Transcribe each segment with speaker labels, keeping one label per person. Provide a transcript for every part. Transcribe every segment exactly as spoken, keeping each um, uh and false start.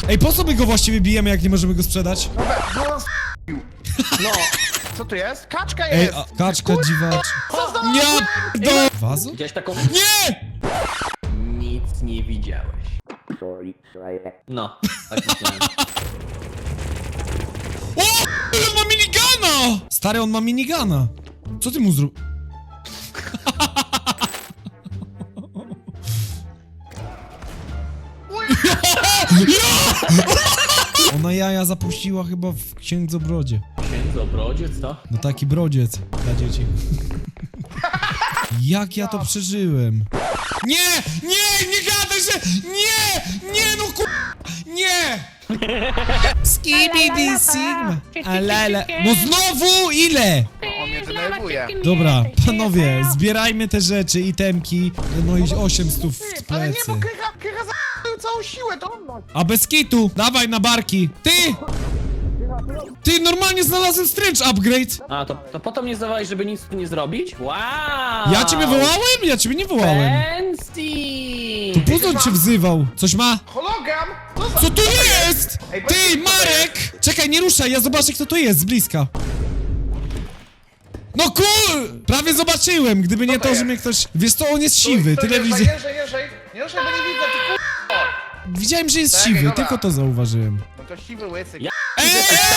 Speaker 1: Ej, po co my go właściwie bijemy, jak nie możemy go sprzedać?
Speaker 2: Dobra, no on s***ił. No, co tu jest? Kaczka
Speaker 1: Ej,
Speaker 2: jest!
Speaker 1: a, kaczka dziwacz.
Speaker 2: Co za...
Speaker 1: Nie! Do... Wazu?
Speaker 3: Widziałeś taką...
Speaker 1: Nie!
Speaker 3: Nic nie widziałeś. No, tak myślałem.
Speaker 1: O! On ma minigana! Stary, on ma minigana. Co ty mu zrób... Ona jaja zapuściła chyba w księdzobrodzie.
Speaker 3: Księdzobrodziec, co?
Speaker 1: No taki brodziec dla dzieci. Jak ja to przeżyłem? Nie! Nie! Nie gadaj, że... Nie! Nie no ku... Nie! Skibidi Sigma. Alala. No znowu ile?
Speaker 2: On mnie denerwuje.
Speaker 1: Dobra, panowie, zbierajmy te rzeczy, itemki. No i osiem stów w
Speaker 2: Ale nie,
Speaker 1: plecy.
Speaker 2: bo Krycha, Krycha za***ł całą siłę, to on ma.
Speaker 1: A bez kitu, dawaj na barki. Ty! Ty, normalnie znalazłem stręcz upgrade.
Speaker 3: A, to, to potem nie zdawałeś, żeby nic tu nie zrobić? Wow!
Speaker 1: Ja ciebie wołałem? Ja ciebie nie wołałem.
Speaker 3: Fancy!
Speaker 1: Puzon cię wzywał. Coś ma?
Speaker 2: Hologram? Co za...
Speaker 1: Co tu jest?
Speaker 2: Ej, bo-
Speaker 1: Ty, Marek! Czekaj, nie ruszaj, ja zobaczę, kto to jest z bliska. No kur... Prawie zobaczyłem, gdyby nie
Speaker 2: to
Speaker 1: to, że
Speaker 2: jest?
Speaker 1: mnie ktoś... Wiesz co, on jest siwy,
Speaker 2: To
Speaker 1: tyle
Speaker 2: jeżdżaj,
Speaker 1: widzę.
Speaker 2: jeżdżaj, jeżdżaj. Nie jeżdżaj, bo nie widzę, ty kur...
Speaker 1: Widziałem, że jest
Speaker 2: Tak,
Speaker 1: siwy,
Speaker 2: dobra.
Speaker 1: tylko to zauważyłem.
Speaker 2: No to siwy łysy.
Speaker 3: Ja-
Speaker 1: Ej!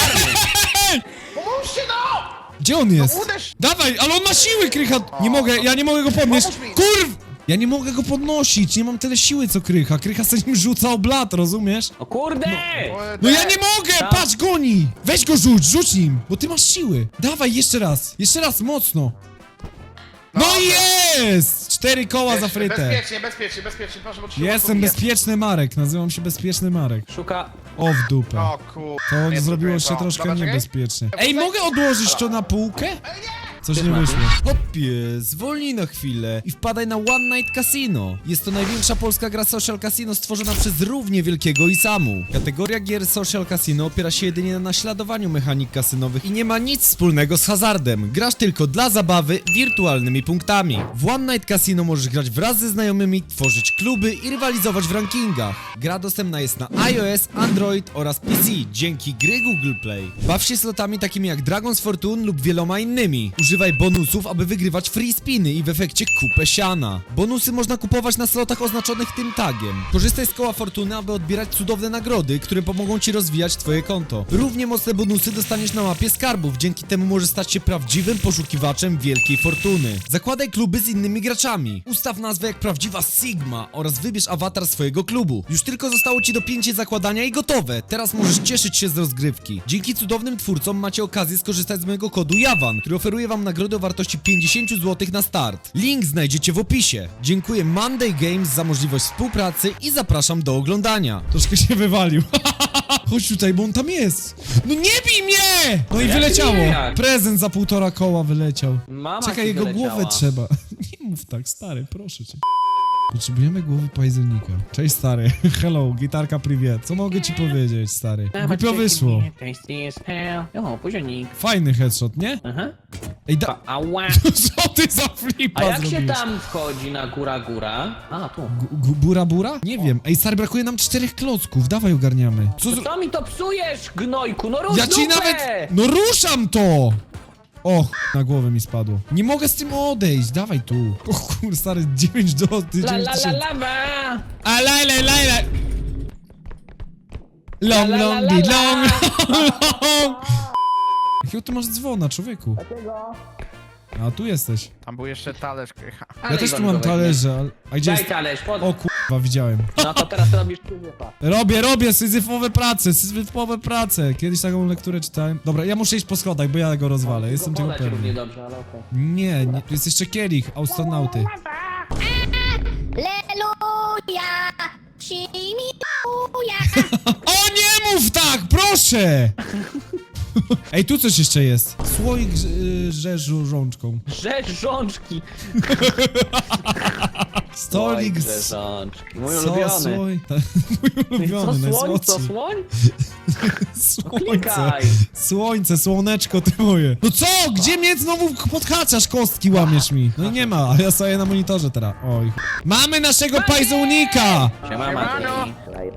Speaker 2: Pomóżcie no!
Speaker 1: Gdzie on jest?
Speaker 2: No uderz!
Speaker 1: Dawaj, ale on ma siły, Krycha! Nie mogę, ja nie mogę go podnieść.
Speaker 2: Pomóż mi.
Speaker 1: Kurw! Ja nie mogę go podnosić, nie mam tyle siły co Krycha. Krycha sobie nim rzuca oblat, rozumiesz?
Speaker 3: O kurde!
Speaker 1: No ja nie mogę!
Speaker 3: Tak.
Speaker 1: Patrz, goni! Weź go rzuć, rzuć nim, bo ty masz siły. Dawaj, jeszcze raz, jeszcze raz, mocno. No i jest! Cztery koła za frytę.
Speaker 2: Bezpiecznie, bezpiecznie, bezpiecznie, proszę, bo ci się
Speaker 1: Jestem
Speaker 2: ubije.
Speaker 1: bezpieczny Marek, nazywam się Bezpieczny Marek.
Speaker 3: Szuka...
Speaker 1: O w dupę.
Speaker 2: O kur...
Speaker 1: To
Speaker 2: Nie,
Speaker 1: zrobiło
Speaker 2: to-
Speaker 1: się troszkę
Speaker 2: Dobra, czekaj.
Speaker 1: niebezpiecznie. Ej, mogę odłożyć to na półkę? Coś nie wyszło. Hopie, zwolnij na chwilę i wpadaj na One Night Casino. Jest to największa polska gra social casino stworzona przez równie wielkiego Isamu. Kategoria gier social casino opiera się jedynie na naśladowaniu mechanik kasynowych i nie ma nic wspólnego z hazardem. Grasz tylko dla zabawy wirtualnymi punktami. W One Night Casino możesz grać wraz ze znajomymi, tworzyć kluby i rywalizować w rankingach. Gra dostępna jest na iOS, Android oraz P C dzięki gry Google Play. Baw się slotami takimi jak Dragon's Fortune lub wieloma innymi. Używaj bonusów, aby wygrywać free spiny i w efekcie kupę siana. Bonusy można kupować na slotach oznaczonych tym tagiem. Korzystaj z koła fortuny, aby odbierać cudowne nagrody, które pomogą ci rozwijać twoje konto. Równie mocne bonusy dostaniesz na mapie skarbów, dzięki temu możesz stać się prawdziwym poszukiwaczem wielkiej fortuny. Zakładaj kluby z innymi graczami. Ustaw nazwę jak prawdziwa Sigma oraz wybierz awatar swojego klubu. Już tylko zostało ci dopięcie zakładania i gotowe. Teraz możesz cieszyć się z rozgrywki. Dzięki cudownym twórcom macie okazję skorzystać z mojego kodu JAWAN, który oferuje wam nagrodę o wartości pięćdziesiąt złotych na start. Link znajdziecie w opisie. Dziękuję Monday Games za możliwość współpracy i zapraszam do oglądania. Troszkę się wywalił. Chodź tutaj, bo on tam jest. No nie bij mnie! No i
Speaker 3: Jak
Speaker 1: wyleciało.
Speaker 3: nie, jak?
Speaker 1: Prezent za półtora koła wyleciał.
Speaker 3: Mama
Speaker 1: Czekaj,
Speaker 3: ci
Speaker 1: jego
Speaker 3: wyleciała.
Speaker 1: głowę trzeba. Nie mów tak, stary, proszę cię. Potrzebujemy głowy pajzelnika. Cześć, stary. Hello, gitarka privet. Co mogę ci powiedzieć, stary? Głupio wyszło.
Speaker 3: O, pozionik.
Speaker 1: Fajny headshot, nie?
Speaker 3: Aha.
Speaker 1: Ej, da...
Speaker 3: Ała.
Speaker 1: Co ty za flipa
Speaker 3: A jak się
Speaker 1: zrobiłeś?
Speaker 3: tam wchodzi na góra góra? A, tu.
Speaker 1: Gu- Bura bura? Nie wiem. Ej, stary, brakuje nam czterech klocków. Dawaj, ogarniamy. Co zro...
Speaker 3: Co mi to psujesz, gnojku? No rusz
Speaker 1: Ja ci
Speaker 3: dupę!
Speaker 1: nawet... No ruszam to! O, ch... na głowę mi spadło. Nie mogę z tym odejść, dawaj tu. O kur, stary, dziewięć do...
Speaker 3: La
Speaker 1: dziewięć
Speaker 3: la la
Speaker 1: tysięcy.
Speaker 3: la ba.
Speaker 1: A la la la la. Long,
Speaker 3: La, la,
Speaker 1: long,
Speaker 3: la,
Speaker 1: di,
Speaker 3: la.
Speaker 1: long, long. Jakiego ty masz dzwona, człowieku? A tu jesteś.
Speaker 2: Tam był jeszcze talerz, Krycha.
Speaker 1: Ja
Speaker 3: Ale
Speaker 1: też tu
Speaker 3: Iwan
Speaker 1: mam
Speaker 3: go weźmie.
Speaker 1: talerze, ale... A gdzie
Speaker 3: Daj
Speaker 1: jest...
Speaker 3: talerz, pod...
Speaker 1: O kurwa, widziałem.
Speaker 3: No to teraz robisz kurwa.
Speaker 1: Robię, robię, syzyfowe prace, syzyfowe prace. Kiedyś taką lekturę czytałem. Dobra, ja muszę iść po schodach, bo ja go rozwalę, jestem tego
Speaker 3: Podać równie
Speaker 1: pewny.
Speaker 3: dobrze, ale okej.
Speaker 1: Nie, nie, tu jest jeszcze kielich, astronauty.
Speaker 4: Leluja! Shimiuja!
Speaker 1: O, nie mów tak, proszę! Ej, tu coś jeszcze jest. Słoik y, rzeżu rączką.
Speaker 3: Rzecz rzączki.
Speaker 1: Stolik
Speaker 3: Rzecz
Speaker 1: z...
Speaker 3: rzączki. Mój
Speaker 1: Co,
Speaker 3: ulubiony.
Speaker 1: słoj... Mój
Speaker 3: Co
Speaker 1: ulubiony,
Speaker 3: słoń, co
Speaker 1: najsłodszy.
Speaker 3: słoń?
Speaker 1: Słońce.
Speaker 3: Klikaj.
Speaker 1: Słońce, słoneczko ty moje. No co? Gdzie mnie znowu podhaczasz, kostki łamiesz mi? No i nie ma, a ja stoję na monitorze teraz. Oj. Mamy naszego pajzonika!
Speaker 3: Siema, Mati.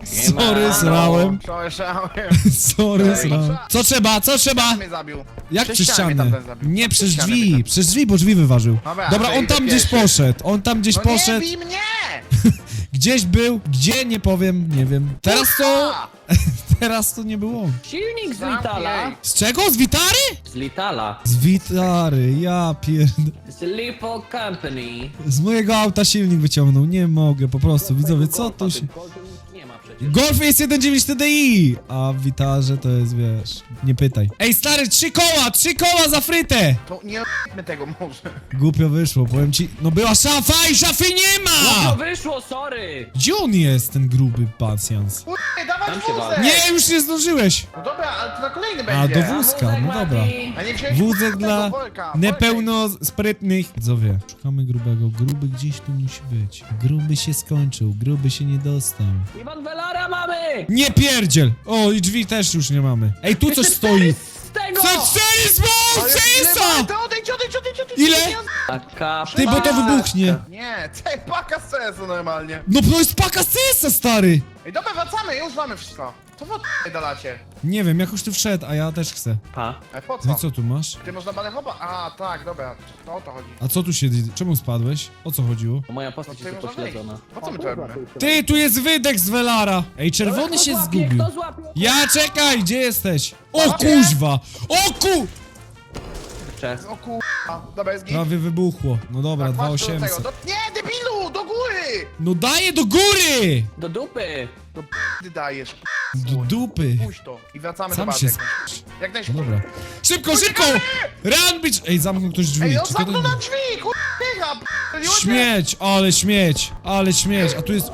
Speaker 1: Sorry, srałem.
Speaker 2: Przełeszałem.
Speaker 1: Sorry, srałem. Co trzeba, co trzeba?
Speaker 2: Mnie zabił.
Speaker 1: Jak
Speaker 2: Przez
Speaker 1: przez
Speaker 2: ścianę
Speaker 1: ścianę?
Speaker 2: tamten zabił.
Speaker 1: Nie, przez
Speaker 2: ścianę
Speaker 1: drzwi,
Speaker 2: biegam.
Speaker 1: przez drzwi, bo drzwi wyważył.
Speaker 2: Dobra,
Speaker 1: Dobra,
Speaker 2: to
Speaker 1: on
Speaker 2: idę
Speaker 1: tam gdzieś
Speaker 2: pierwszy.
Speaker 1: poszedł, on tam gdzieś
Speaker 2: No nie
Speaker 1: poszedł,
Speaker 2: bij mnie!
Speaker 1: gdzieś był, gdzie, nie powiem, nie wiem. Teraz to,
Speaker 2: A!
Speaker 1: teraz to nie było.
Speaker 3: Silnik z
Speaker 2: Zamknij.
Speaker 3: Litala.
Speaker 1: Z czego? Z Witary?
Speaker 3: Z Litala.
Speaker 1: Z Witary, ja pierd...
Speaker 3: Z Lipo Company.
Speaker 1: Z mojego auta silnik wyciągnął, nie mogę, po prostu, widzowie, co to się...
Speaker 3: Nie ma przecież.
Speaker 1: Golf jest jeden dziewięć T D I, a w Witarze to jest, wiesz, nie pytaj. Ej, stary, trzy koła, trzy koła za frytę!
Speaker 2: To nie robimy tego może.
Speaker 1: Głupio wyszło, powiem ci, no była szafa i szafy nie
Speaker 3: No
Speaker 1: ma!
Speaker 3: wyszło, sorry!
Speaker 1: Gdzie on jest, ten gruby pacjans?
Speaker 2: Kurde, dawać
Speaker 3: Tam się
Speaker 2: wózek!
Speaker 3: wali.
Speaker 1: Nie, już nie zdążyłeś!
Speaker 2: No dobra, ale to na kolejny
Speaker 1: A,
Speaker 2: będzie.
Speaker 1: do wózka, no dobra.
Speaker 2: A nie wziąłeś
Speaker 1: Wózek
Speaker 2: tego
Speaker 1: dla
Speaker 2: worka,
Speaker 1: niepełnosprytnych. Widzowie, szukamy grubego, gruby gdzieś tu musi być. Gruby się skończył, gruby się nie dostał.
Speaker 3: Iwan Velara mamy!
Speaker 1: Nie pierdziel! O, i drzwi też już nie mamy. Ej, tu coś stoi!
Speaker 3: Z tego!
Speaker 1: C cztery z
Speaker 2: Ale
Speaker 1: Cesa!
Speaker 2: To odejdź, odejdź, odejdź, odejdź!
Speaker 1: Ile?
Speaker 3: Taka
Speaker 1: Ty, bo to wybuchnie.
Speaker 2: Nie, tej paka z sensu normalnie.
Speaker 1: No to jest paka Cesa, stary!
Speaker 2: Ej, dobra, wracamy, już mamy wszystko. To wy od***ej dalacie.
Speaker 1: Nie wiem, jak już ty wszedł, a ja też chcę.
Speaker 3: Pa.
Speaker 2: Ej, po
Speaker 1: No i
Speaker 2: co?
Speaker 1: co tu masz?
Speaker 2: Ty można balę chopa? A, tak, dobra, to o to chodzi.
Speaker 1: A co tu się... Czemu spadłeś? O co chodziło?
Speaker 3: Moja
Speaker 2: No
Speaker 3: postać
Speaker 2: tutaj
Speaker 3: jest
Speaker 2: można wejść.
Speaker 3: pośledzona.
Speaker 2: Po co my to robimy?
Speaker 1: Ty, tu jest wydech z Velara! Ej, czerwony
Speaker 3: Kto
Speaker 1: się
Speaker 3: złapie?
Speaker 1: zgubił.
Speaker 3: Kto złapie?
Speaker 1: Ja, czekaj, gdzie jesteś? O
Speaker 2: Złapie?
Speaker 1: kuźwa! O ku...
Speaker 3: Cześć.
Speaker 2: O kurwa, dobra, jest git.
Speaker 1: Prawie wybuchło. No dobra,
Speaker 2: Tak,
Speaker 1: dwa
Speaker 2: patrz do tego.
Speaker 1: osiemset.
Speaker 2: Do... Nie, debilu, do góry!
Speaker 1: No daję do góry!
Speaker 3: Do dupy!
Speaker 2: Do p***y dajesz.
Speaker 1: Do dupy.
Speaker 2: Puść to i wracamy
Speaker 1: Sam
Speaker 2: do
Speaker 1: się
Speaker 2: bazy.
Speaker 1: s***sz.
Speaker 2: Jak
Speaker 1: No
Speaker 2: najszybciej.
Speaker 1: dobra. Szybko, szybko! Run, bitch! Ej, zamknął ktoś drzwi.
Speaker 2: Ej, on
Speaker 1: Czekaj,
Speaker 2: zamknął
Speaker 1: to-
Speaker 2: na drzwi, kurwa, p***liło cię.
Speaker 1: Śmieć, ale śmieć, ale śmieć. A tu jest...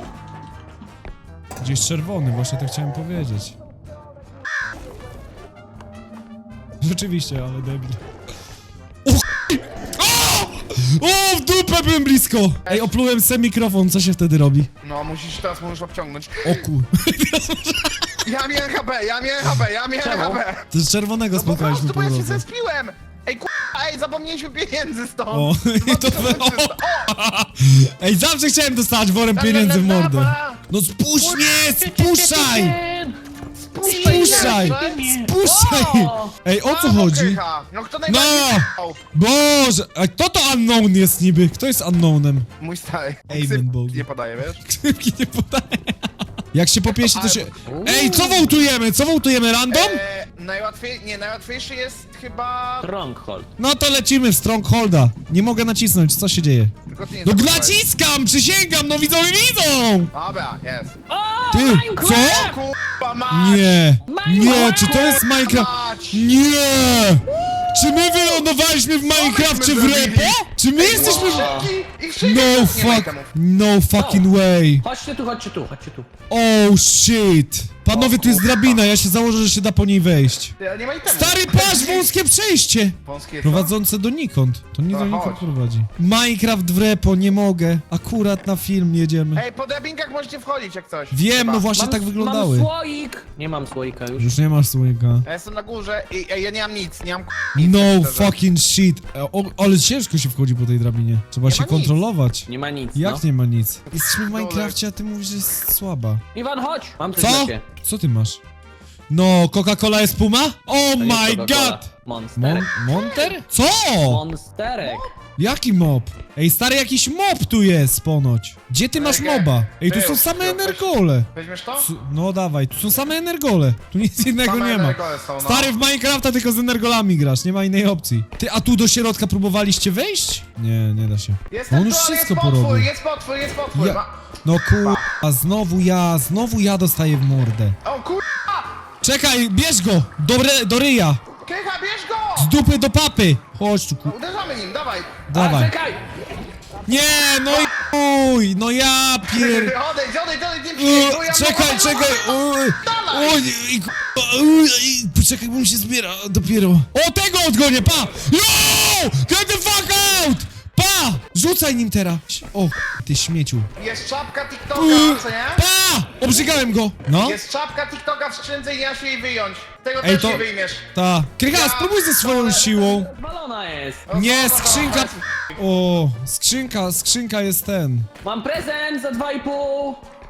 Speaker 1: Gdzieś czerwony, właśnie to chciałem powiedzieć. Rzeczywiście, ale debil. O! O! O, w dupę byłem blisko! Ej, oplułem se mikrofon, co się wtedy robi?
Speaker 2: No, musisz, teraz możesz obciągnąć.
Speaker 1: O kur...
Speaker 2: Ja miałem H P, ja miałem H P, ja miałem
Speaker 3: Czemu?
Speaker 2: H P.
Speaker 1: To z czerwonego
Speaker 2: No po
Speaker 1: spotkaliśmy
Speaker 2: prostu,
Speaker 1: po
Speaker 2: bo ja się
Speaker 1: drodze.
Speaker 2: zespiłem. Ej, kurwa, ej, zapomnieliśmy pieniędzy stąd.
Speaker 1: O, i to... O! Ej, zawsze chciałem dostać worem pieniędzy w mordę. No spuść mnie, spuszczaj! Spuszczaj! Spuszczaj!
Speaker 3: O!
Speaker 1: Ej, o co
Speaker 2: A, no
Speaker 1: chodzi?
Speaker 2: krycha. No kto najbardziej
Speaker 1: No!
Speaker 2: k***ał?
Speaker 1: Boże, a kto to unknown jest niby? Kto jest unknownem?
Speaker 2: Mój stary.
Speaker 1: Amen,
Speaker 2: Ksyp
Speaker 1: Bogu.
Speaker 2: nie podaje, wiesz?
Speaker 1: Krzywki nie podaje. Jak się popieści, to się... Ej, co wołtujemy? Co wołtujemy? Random?
Speaker 2: Eee, najłatwiej, nie, najłatwiejszy jest chyba...
Speaker 3: Stronghold.
Speaker 1: No to lecimy w Strongholda. Nie mogę nacisnąć, co się dzieje?
Speaker 2: Tylko ty nie
Speaker 1: No
Speaker 2: zapomniałeś.
Speaker 1: naciskam, przysięgam, no widzowie widzą!
Speaker 2: Dobra, jest.
Speaker 3: O,
Speaker 1: Ty,
Speaker 3: Minecraft!
Speaker 1: co?
Speaker 2: Kurwa mać!
Speaker 1: Nie, nie,
Speaker 3: Minecraft!
Speaker 1: czy to jest Minecraft?
Speaker 2: Mać!
Speaker 1: Nie! Czy my wylądowaliśmy w Minecrafcie w
Speaker 2: zrobili?
Speaker 1: repo? Czy my jesteśmy w...
Speaker 2: Szybki! Ich szybki!
Speaker 1: No
Speaker 2: Nie ma
Speaker 1: fuck,
Speaker 2: itemów.
Speaker 1: no fucking way.
Speaker 3: Chodźcie tu, chodźcie tu, chodźcie tu.
Speaker 1: Oh shit. Panowie, tu jest drabina, ja się założę, że się da po niej wejść.
Speaker 2: Ty, ale nie ma itemów.
Speaker 1: Stary, patrz, wąskie przejście!
Speaker 2: Wąskie co?
Speaker 1: Prowadzące donikąd. To nie
Speaker 2: No
Speaker 1: donikąd
Speaker 2: chodź.
Speaker 1: prowadzi. Minecraft w repo, nie mogę. Akurat na film jedziemy.
Speaker 2: Ej, po drabinkach możecie wchodzić jak coś.
Speaker 1: Wiem,
Speaker 2: Chyba.
Speaker 1: no właśnie
Speaker 3: Mam,
Speaker 1: tak wyglądały.
Speaker 3: Mam słoik! Nie mam słoika już.
Speaker 1: Już nie masz słoika.
Speaker 2: Ja jestem na górze i ej, ja nie mam nic, nie mam k-
Speaker 1: No
Speaker 2: szczerze.
Speaker 1: fucking shit. E, O, ale ciężko się wchodzi po tej drabinie. Trzeba
Speaker 2: Nie
Speaker 1: się
Speaker 2: ma nic.
Speaker 1: kontrolować.
Speaker 3: Nie ma nic,
Speaker 1: Jak
Speaker 3: no.
Speaker 1: nie ma nic? Jesteśmy w Minecrafcie, a ty mówisz, że jest słaba.
Speaker 3: Iwan, chodź! Mam coś
Speaker 1: Co?
Speaker 3: dla ciebie.
Speaker 1: Co ty masz? No, Coca-Cola jest Puma? Oh
Speaker 3: To nie
Speaker 1: my
Speaker 3: Coca-Cola.
Speaker 1: god! Mon
Speaker 3: Monsterek.
Speaker 1: Monter? Co?
Speaker 3: Monsterek.
Speaker 1: Jaki mob? Ej, stary, jakiś mob tu jest ponoć. Gdzie ty masz
Speaker 2: Czekaj.
Speaker 1: moba? Ej, tu
Speaker 2: Był,
Speaker 1: są same
Speaker 2: był,
Speaker 1: energole.
Speaker 2: Weźmiesz to?
Speaker 1: Su- No dawaj, tu są same energole. Tu nic innego
Speaker 2: Same
Speaker 1: nie ma.
Speaker 2: energole są, no.
Speaker 1: Stary, w Minecrafta tylko z energolami grasz, nie ma innej opcji. Ty, a tu do środka próbowaliście wejść? Nie, nie da się.
Speaker 2: Jest
Speaker 1: No
Speaker 2: ten
Speaker 1: on już
Speaker 2: tu, ale
Speaker 1: wszystko
Speaker 2: jest potwór,
Speaker 1: porobił.
Speaker 2: jest potwór, jest potwór.
Speaker 1: Ja...
Speaker 2: Ma...
Speaker 1: No kurwa, znowu ja, znowu ja dostaję w mordę.
Speaker 2: O kurwa!
Speaker 1: Czekaj, bierz go! Do, re, do ryja!
Speaker 2: Krycha, bierz go!
Speaker 1: Z dupy do papy! Chodź tu, ku...
Speaker 2: No, uderzamy nim, dawaj.
Speaker 3: A,
Speaker 1: Dawaj.
Speaker 3: czekaj!
Speaker 1: Nie, no i chuj, no ja pier...
Speaker 2: Odejdź, odejdź, odejdź, nie
Speaker 1: Uy,
Speaker 2: przyjmuj, ja
Speaker 1: czekaj,
Speaker 2: mogę-
Speaker 1: czekaj! Uy, uy, i ku- uy, i- Poczekaj, bo mi się zbiera dopiero. O, tego odgonię, pa! Yo! Get the fuck out! Pa! Rzucaj nim teraz! O, ty śmieciu.
Speaker 2: Jest czapka TikToka,
Speaker 1: Uy,
Speaker 2: co nie?
Speaker 1: Pa! Obrzygałem go! No?
Speaker 2: Jest czapka TikToka w skrzynce i ja się jej wyjąć. Tego
Speaker 1: Ej,
Speaker 2: też
Speaker 1: to-
Speaker 2: nie wyjmiesz.
Speaker 1: Ta. Krycha,
Speaker 2: Ja-
Speaker 1: spróbuj ze swoją siłą.
Speaker 3: Balona jest.
Speaker 1: Nie, skrzynka... O, skrzynka, skrzynka jest ten.
Speaker 3: Mam prezent za dwa i pół.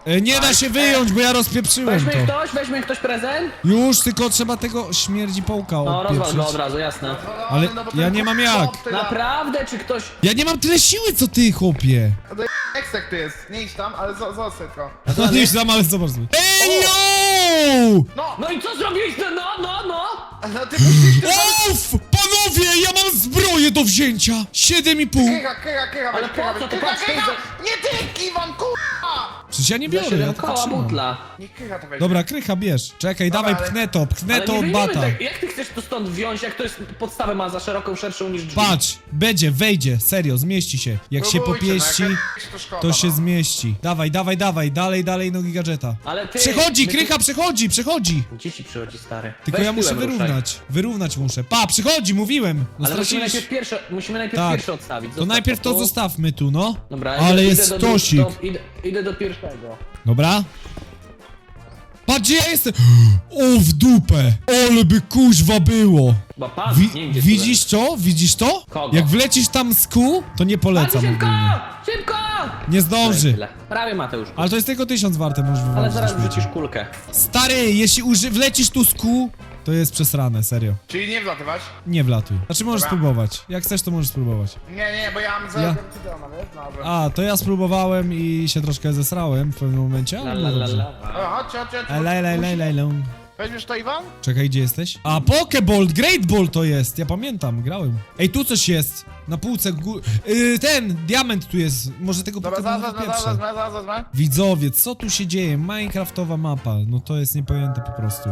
Speaker 1: E, nie da się wyjąć, bo ja rozpieprzyłem
Speaker 3: Weźmie
Speaker 1: to.
Speaker 3: ktoś, weźmie ktoś prezent?
Speaker 1: Już, tylko trzeba tego śmierdzi pałka
Speaker 3: No, rozwal go
Speaker 1: odpieprzyć.
Speaker 3: od razu, jasne.
Speaker 1: Ale
Speaker 2: No, bo
Speaker 1: ja
Speaker 2: ten
Speaker 1: nie mam
Speaker 2: chłop
Speaker 1: jak.
Speaker 2: tyle-
Speaker 3: Naprawdę, czy ktoś...
Speaker 1: Ja nie mam tyle siły, co ty, chłopie.
Speaker 2: No i ekstek tu jest, nie idź tam, ale zo- zostań tylko.
Speaker 1: No nie znam, ale zobacz. Ej, yo!
Speaker 2: No,
Speaker 3: No i co zrobiłeś? No, no, no, no!
Speaker 2: no ty musisz...
Speaker 1: Uff! Panowie, ja mam zbroję do wzięcia! Siedem i pół.
Speaker 2: Krycha, krycha, krycha,
Speaker 3: Ale
Speaker 2: weź, krycha,
Speaker 3: po co?
Speaker 2: weź,
Speaker 3: To
Speaker 2: krycha,
Speaker 3: patrz,
Speaker 2: krycha!
Speaker 3: to
Speaker 2: Nie ty, Iwan, kurwa!
Speaker 1: Przecież ja nie
Speaker 3: Ja
Speaker 1: biorę, ja
Speaker 3: siedem
Speaker 1: tylko
Speaker 3: koła
Speaker 1: trzymam.
Speaker 3: butla.
Speaker 2: Nie krycha to weź.
Speaker 1: Dobra, krycha bierz. Czekaj,
Speaker 2: Dobra,
Speaker 1: dawaj,
Speaker 2: ale-
Speaker 1: pchnę to, pchnę
Speaker 3: Ale
Speaker 1: to
Speaker 3: nie
Speaker 1: od
Speaker 3: wyjmiemy
Speaker 1: bata.
Speaker 3: tak, jak ty chcesz to stąd wziąć, jak to jest podstawę ma za szeroką, szerszą niż drzwi?
Speaker 1: Patrz, będzie, wejdzie, serio, zmieści się. Jak się
Speaker 2: Próbujcie, no, jak
Speaker 1: popieści,
Speaker 2: ja- to szkoda,
Speaker 1: to się
Speaker 2: no.
Speaker 1: zmieści. Dawaj, dawaj, dawaj, dalej, dalej nogi gadżeta.
Speaker 3: Ale ty...
Speaker 1: Przechodzi,
Speaker 3: my tu-
Speaker 1: krycha, przechodzi, przechodzi.
Speaker 3: Gdzie ci przychodzi, stary?
Speaker 1: Tylko
Speaker 3: Weź
Speaker 1: ja muszę
Speaker 3: tyłem ruszaj.
Speaker 1: wyrównać. Wyrównać muszę. Pa, przychodzi, mówiłem. No
Speaker 3: Ale musimy
Speaker 1: straciliście-
Speaker 3: najpierw pierwsze, musimy najpierw
Speaker 1: Tak.
Speaker 3: pierwsze odstawić.
Speaker 1: To
Speaker 3: Zostaw
Speaker 1: najpierw to
Speaker 3: tu.
Speaker 1: zostawmy tu, no.
Speaker 3: Dobra,
Speaker 1: Ale
Speaker 3: idę,
Speaker 1: jest
Speaker 3: idę do,
Speaker 1: stosik.
Speaker 3: do, idę, idę do pierwszego.
Speaker 1: Dobra. Patrz, gdzie ja jestem. O, w dupę. Ole by kuźwa było.
Speaker 3: Chyba pan,
Speaker 1: Wi
Speaker 3: nie wiem, gdzie
Speaker 1: widzisz to? Widzisz to?
Speaker 3: Kogo?
Speaker 1: Jak wlecisz tam z kół, to nie
Speaker 3: Patrz,
Speaker 1: polecam
Speaker 3: szybko!
Speaker 1: ogólnie.
Speaker 3: Szybko!
Speaker 1: Nie zdąży.
Speaker 3: Tyle. Prawie Mateusz.
Speaker 1: Ale to jest tylko tysiąc warte, możesz
Speaker 3: Ale
Speaker 1: wywalić
Speaker 3: zaraz
Speaker 1: na śmieci.
Speaker 3: wrzucisz kulkę.
Speaker 1: Stary, jeśli uży wlecisz tu z kół, to jest przesrane, serio.
Speaker 2: Czyli nie wlatywać?
Speaker 1: Nie wlatuj. Znaczy możesz
Speaker 2: Dobra.
Speaker 1: spróbować. Jak chcesz, to możesz spróbować.
Speaker 2: Nie, nie, bo ja mam za...
Speaker 1: Ja-
Speaker 2: Ja... wiesz? Dobra.
Speaker 1: A, to ja spróbowałem i się troszkę zesrałem w pewnym momencie,
Speaker 3: La,
Speaker 1: ale
Speaker 3: la,
Speaker 1: było
Speaker 3: la,
Speaker 1: dobrze.
Speaker 3: la.
Speaker 2: Dobra, chodźcie, chodźcie, chodźcie.
Speaker 1: Lej, lej, lej, lej, lej.
Speaker 2: Weźmiesz to, Iwan?
Speaker 1: Czekaj, gdzie jesteś? A, Pokeball, Great Ball to jest, ja pamiętam, grałem. Ej, tu coś jest, na półce gó... Yy, ten, diament tu jest, może tego
Speaker 2: Dobra, zaraz,
Speaker 1: Pokeballa
Speaker 2: zaraz, zaraz,
Speaker 1: pierwsze.
Speaker 2: zaraz, zaraz, zaraz.
Speaker 1: Widzowie, co tu się dzieje? Minecraftowa mapa, no to jest niepojęte po prostu.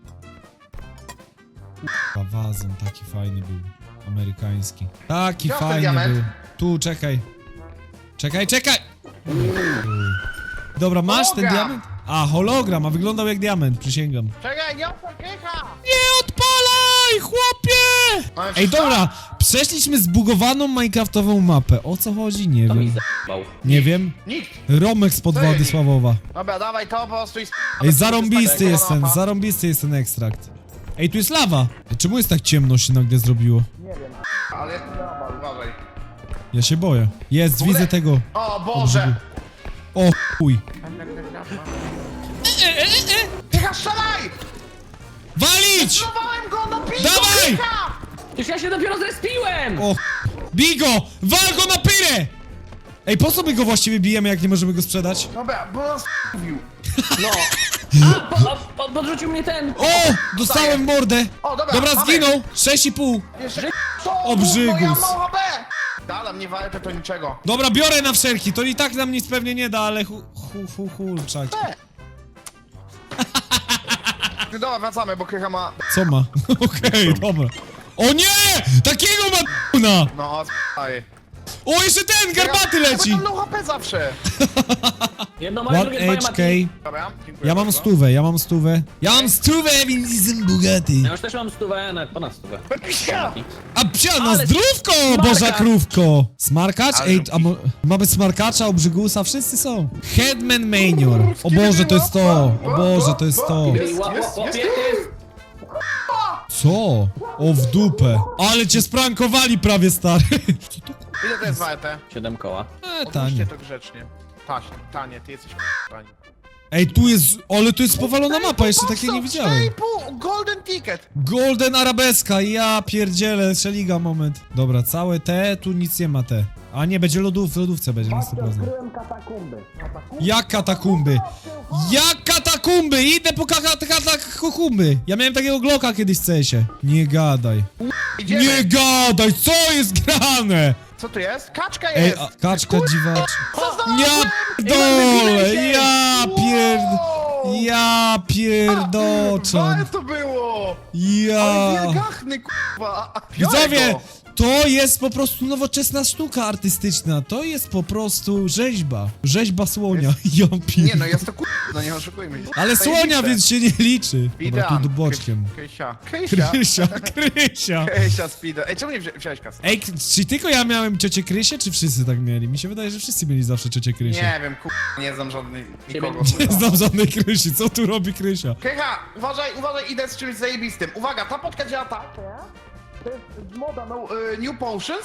Speaker 1: Kurwa, wazon taki fajny był, amerykański. Taki
Speaker 2: Gdzie masz ten
Speaker 1: fajny
Speaker 2: diament?
Speaker 1: był. Tu, czekaj. Czekaj, czekaj! Dobra, masz ten
Speaker 2: Hologram.
Speaker 1: diament? A, hologram, a wyglądał jak diament, przysięgam.
Speaker 2: Czekaj, nie odpal krycha!
Speaker 1: Nie odpalaj, chłopie!
Speaker 2: Mamy
Speaker 1: Ej,
Speaker 2: wszystko?
Speaker 1: dobra, przeszliśmy zbugowaną minecraftową mapę. O co chodzi? Nie
Speaker 3: To mi
Speaker 1: wiem.
Speaker 3: zajebał.
Speaker 1: Nie wiem.
Speaker 2: Nikt!
Speaker 1: Romek spod
Speaker 2: Co ja
Speaker 1: wody
Speaker 2: nie-
Speaker 1: Sławowa.
Speaker 2: Dobra, dawaj to po prostu i...
Speaker 1: Ej, zarąbisty jest ten,
Speaker 2: Kolana.
Speaker 1: zarąbisty jest ten ekstrakt. Ej, tu jest lawa. Ej, czemu jest tak ciemno się nagle zrobiło?
Speaker 2: Ale jest dobra, uważaj.
Speaker 1: Ja się boję. Jest,
Speaker 2: ogóle-
Speaker 1: widzę tego.
Speaker 2: O Boże!
Speaker 1: O chuj.
Speaker 2: Krycha, strzelaj!
Speaker 1: Walić!
Speaker 2: Zlowałem go, no bij
Speaker 1: Dawaj!
Speaker 2: go, krycha!
Speaker 3: Przecież ja się dopiero zrespiłem!
Speaker 1: O, Bigo! Wal go na pyrę! Ej, po co my go właściwie bijemy, jak nie możemy go sprzedać?
Speaker 2: Dobra, bo nas mówił.
Speaker 3: No. A, po, po, podrzucił mnie ten.
Speaker 1: O! Dostałem mordę!
Speaker 2: O, dobra,
Speaker 1: Dobra,
Speaker 2: mamy.
Speaker 1: zginął! sześć i pół.
Speaker 2: Jeszcze co?
Speaker 1: Obrzygus.
Speaker 2: Bo ja mam H P! Dala mnie walkę, to niczego.
Speaker 1: Dobra, biorę na wszelki, to i tak nam nic pewnie nie da, ale hu, hu, hu, hu, czak.
Speaker 2: Dobra, wracamy, bo krycha ma...
Speaker 1: Co ma? Okej, dobra. O nie! Takiego ma d***na!
Speaker 2: No, s***aj.
Speaker 1: O, jeszcze ten, garbaty leci!
Speaker 2: Ja mam low H P zawsze.
Speaker 3: Jedno moje, drugie
Speaker 1: One
Speaker 3: twoje,
Speaker 1: H K.
Speaker 3: Mati.
Speaker 2: Dobra, dziękuję
Speaker 1: Ja mam
Speaker 2: bardzo.
Speaker 1: stówę, ja mam stówę. Ja mam stówę, więc jestem bogaty.
Speaker 3: Ja już też mam stówę, nawet ponad stówę.
Speaker 2: Pisia!
Speaker 1: A psia, na
Speaker 3: Ale
Speaker 1: zdrówko,
Speaker 3: smarkacz.
Speaker 1: boża krówko! Smarkacz?
Speaker 2: Ale
Speaker 1: Ej, a mo mamy smarkacza, obrzygusa, wszyscy są. Headman Manior. O Boże, to jest to. O Boże, to jest to.
Speaker 3: Ej, ła- ła-
Speaker 2: jest,
Speaker 3: łapie,
Speaker 2: jest.
Speaker 3: jest.
Speaker 1: Co? O, w dupę. Ale cię sprankowali prawie, stary. Co to?
Speaker 2: Ile to jest warte?
Speaker 3: Siedem koła.
Speaker 1: E,
Speaker 2: Odłóżcie
Speaker 1: tanie.
Speaker 2: to grzecznie. Taś, tanie, ty jesteś tanie.
Speaker 1: Ej, tu jest, ale tu jest powalona mapa, jeszcze takiej nie widziałem.
Speaker 2: cztery i pół, golden ticket.
Speaker 1: Golden Arabeska, ja pierdzielę, szeliga moment. Dobra, całe te, tu nic nie ma te. A nie, będzie lodów, w lodówce będzie na sto procent. Jak katakumby? Jak katakumby? Idę po kaka- katakumby. Ja miałem takiego Glocka kiedyś w C S-ie. Nie gadaj.
Speaker 2: Idziemy.
Speaker 1: Nie gadaj, co jest grane?
Speaker 2: Co tu jest? Kaczka
Speaker 1: Ej,
Speaker 2: jest.
Speaker 1: a, kaczka dziwacz.
Speaker 2: Co
Speaker 1: Ja dole, ja pierd... Ja pierdoczan.
Speaker 2: Ale to było!
Speaker 1: Ja...
Speaker 2: Ale wielgachny, kurwa! Biorę
Speaker 1: Widzowie,
Speaker 2: go.
Speaker 1: to jest po prostu nowoczesna sztuka artystyczna. To jest po prostu rzeźba. Rzeźba słonia. Ja pier...
Speaker 2: Nie no, jest to kurwa, no nie oszukujmy się.
Speaker 1: Ale słonia, więc się nie liczy. Dobra, tu
Speaker 2: Speedrun.
Speaker 1: boczkiem.
Speaker 2: Krysia. Krysia.
Speaker 1: Krysia, Krysia.
Speaker 2: Krysia speed. Ej, czemu nie wzi wziąłeś kasę?
Speaker 1: Ej, k- czy tylko ja miałem ciocię Krysię, czy wszyscy tak mieli? Mi się wydaje, że wszyscy mieli zawsze ciocię Krysię.
Speaker 2: Nie wiem, kurwa, nie znam żadnej nikogo.
Speaker 1: Nie znam żadnej Krysi. Co tu robi Krysia?
Speaker 2: Krycha, uważaj, uważaj, idę z czymś zajebistym. Uwaga, ta podka działa tak. To jest z moda no, y, New Potions.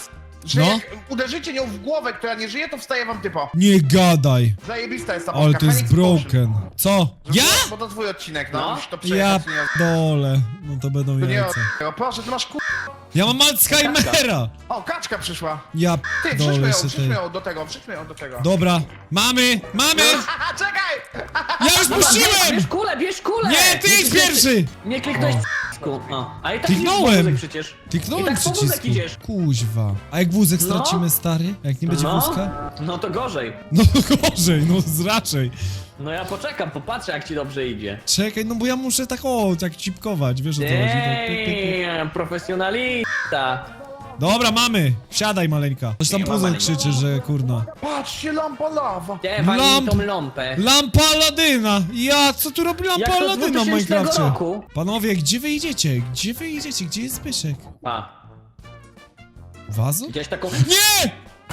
Speaker 2: Że
Speaker 1: No.
Speaker 2: jak uderzycie nią w głowę, która nie żyje, to wstaje wam typo.
Speaker 1: Nie gadaj.
Speaker 2: Zajebista jest ta
Speaker 1: Ale
Speaker 2: Polska.
Speaker 1: to jest
Speaker 2: Phoenix Potion.
Speaker 1: broken. Co? Ja?
Speaker 2: Bo to twój odcinek, no.
Speaker 3: No.
Speaker 2: Musisz to
Speaker 1: Ja
Speaker 2: przejechać, nie...
Speaker 1: dole. No to będą
Speaker 2: To nie
Speaker 1: jajca.
Speaker 2: o... Proszę, ty masz ku...
Speaker 1: Ja mam Alzheimera.
Speaker 2: O, kaczka przyszła.
Speaker 1: Ja
Speaker 2: Ty, wrzućmy
Speaker 1: dole
Speaker 2: ją,
Speaker 1: się
Speaker 2: wrzućmy
Speaker 1: tej.
Speaker 2: ją do tego, wrzućmy ją do tego.
Speaker 1: Dobra. Mamy! Mamy!
Speaker 2: Haha, czekaj!
Speaker 1: Ja już puściłem!
Speaker 3: Bierz kulę, bierz kulę!
Speaker 1: Nie, ty idź pierwszy!
Speaker 3: Nie kliknąłeś c***ku. O, a i tak
Speaker 1: Kliknąłem.
Speaker 3: idziesz po wózek przecież. I
Speaker 1: Kliknąłem
Speaker 3: tak po wózek
Speaker 1: przycisku.
Speaker 3: idziesz.
Speaker 1: Kuźwa. A jak wózek
Speaker 3: No.
Speaker 1: stracimy, stary? Jak nie będzie
Speaker 3: No,
Speaker 1: wózka?
Speaker 3: no to gorzej.
Speaker 1: No gorzej, no z- raczej.
Speaker 3: No ja poczekam, popatrzę jak ci dobrze idzie.
Speaker 1: Czekaj, no bo ja muszę tak o, tak cipkować, wiesz o co chodzi. Tak, pyk, pyk, pyk.
Speaker 3: Damn, profesjonalista.
Speaker 1: Dobra, mamy. Wsiadaj, maleńka. Coś tam
Speaker 3: Nie ma
Speaker 1: puzzle
Speaker 3: maleńka.
Speaker 1: krzyczy, że kurna.
Speaker 2: Patrzcie, lampa lawa.
Speaker 3: Dawaj
Speaker 1: Lamp-
Speaker 3: mi tą lampę.
Speaker 1: Lampa Aladyna! Ja, co tu robi lampa
Speaker 3: Jak to z
Speaker 1: Aladyna w
Speaker 3: dwutysięcznego
Speaker 1: Minecrafcie?
Speaker 3: roku?
Speaker 1: Panowie, gdzie wy idziecie? Gdzie wy idziecie? Gdzie jest Zbyszek?
Speaker 3: A,
Speaker 1: Wazo?
Speaker 3: gdzieś taką...
Speaker 1: Nie!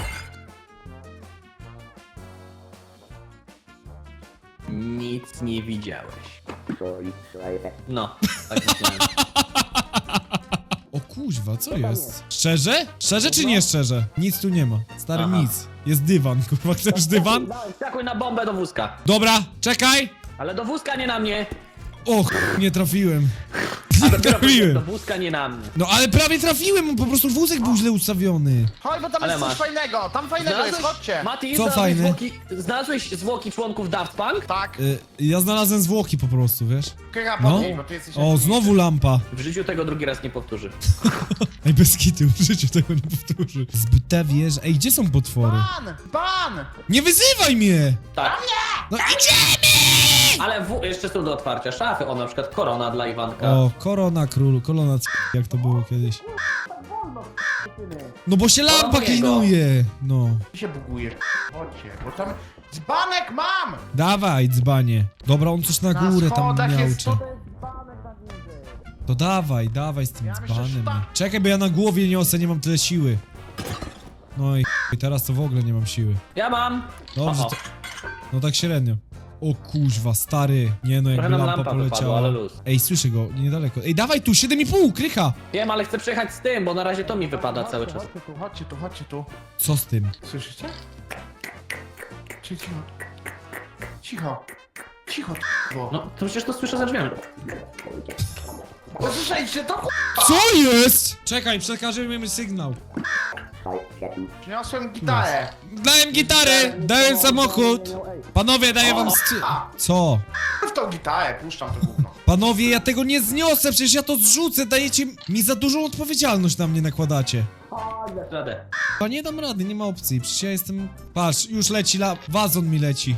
Speaker 3: Nic nie widziałeś. No, tak myślałem.
Speaker 1: O kuźwa, co jest? Szczerze? Szczerze czy nie szczerze? Nic tu nie ma. Stary,
Speaker 3: Aha.
Speaker 1: nic. Jest dywan, kurwa, chcesz dywan?
Speaker 3: Skakuj na bombę do wózka.
Speaker 1: Dobra, czekaj!
Speaker 3: Ale do wózka, nie na mnie.
Speaker 1: Och, nie trafiłem.
Speaker 3: A
Speaker 1: Nie
Speaker 3: dopiero powiedziałem, do
Speaker 1: trafiłem.
Speaker 3: wózka, nie na mnie.
Speaker 1: No ale prawie trafiłem, po prostu wózek był źle ustawiony.
Speaker 2: Chodź, bo tam
Speaker 3: Ale
Speaker 2: jest coś
Speaker 3: masz.
Speaker 2: fajnego, tam fajnego jest, chodźcie.
Speaker 3: Mati,
Speaker 1: Co
Speaker 3: znalazłeś
Speaker 1: fajne?
Speaker 3: Zwłoki, znalazłeś zwłoki członków Daft Punk?
Speaker 2: Tak,
Speaker 1: Y, ja znalazłem zwłoki po prostu, wiesz?
Speaker 2: krycha
Speaker 1: No.
Speaker 2: podnieś, bo ty jesteś...
Speaker 1: O, znowu lampa.
Speaker 3: W życiu tego drugi raz nie powtórzy.
Speaker 1: Ej, bez kitu, w życiu tego nie powtórzy. Zbyta wież. Ej, gdzie są potwory?
Speaker 2: Ban! Ban!
Speaker 1: Nie wyzywaj mnie!
Speaker 3: Tak.
Speaker 1: No idziemy!
Speaker 3: Ale w... jeszcze są do otwarcia szafy, o na przykład korona dla Iwanka.
Speaker 1: O, korona królu, kolona c... jak to było kiedyś. No bo się lampa
Speaker 3: Koroniego.
Speaker 1: klinuje! No.
Speaker 2: Ty się bugujesz. Chodźcie, bo tam... Dzbanek mam!
Speaker 1: Dawaj, dzbanie. Dobra, on coś na
Speaker 2: Na
Speaker 1: górę tam
Speaker 2: schodach jest
Speaker 1: miałcze.
Speaker 2: to...
Speaker 1: To dawaj, dawaj z tym
Speaker 2: Ja myślę, że
Speaker 1: dzbanem.
Speaker 2: tak.
Speaker 1: Czekaj, bo ja na głowie niosę, nie mam tyle siły. No i i teraz to w ogóle nie mam siły.
Speaker 3: Ja mam.
Speaker 1: Dobrze,
Speaker 3: O, o.
Speaker 1: to... No tak średnio. O kuźwa, stary. Nie no, jakby
Speaker 3: Trochę nam
Speaker 1: lampa,
Speaker 3: lampa
Speaker 1: poleciała.
Speaker 3: wypadła, ale luz.
Speaker 1: Ej, słyszę go, niedaleko. Ej, dawaj tu, siedem i pół, krycha!
Speaker 3: Wiem, ale chcę przejechać z tym, bo na razie to mi wypada cały czas.
Speaker 2: Chodźcie tu, chodźcie tu, chodźcie tu.
Speaker 1: Co z tym?
Speaker 2: Słyszycie? Cicho, cicho. Cicho. Cicho, bo.
Speaker 3: No, to przecież to słyszę za drzwiami.
Speaker 2: Słyszeliście to?
Speaker 1: Co jest? Czekaj, przekażemy mi sygnał.
Speaker 2: Przyniosłem gitarę.
Speaker 1: Dałem gitarę, dałem samochód. Panowie, daję wam sty... Co?
Speaker 2: W tą gitarę puszczam to gówno.
Speaker 1: Panowie, ja tego nie zniosę, przecież ja to zrzucę, dajecie mi za dużą odpowiedzialność na mnie nakładacie.
Speaker 3: Radę.
Speaker 1: A nie dam rady, nie ma opcji, przecież ja jestem... Patrz, już leci la... wazon mi leci.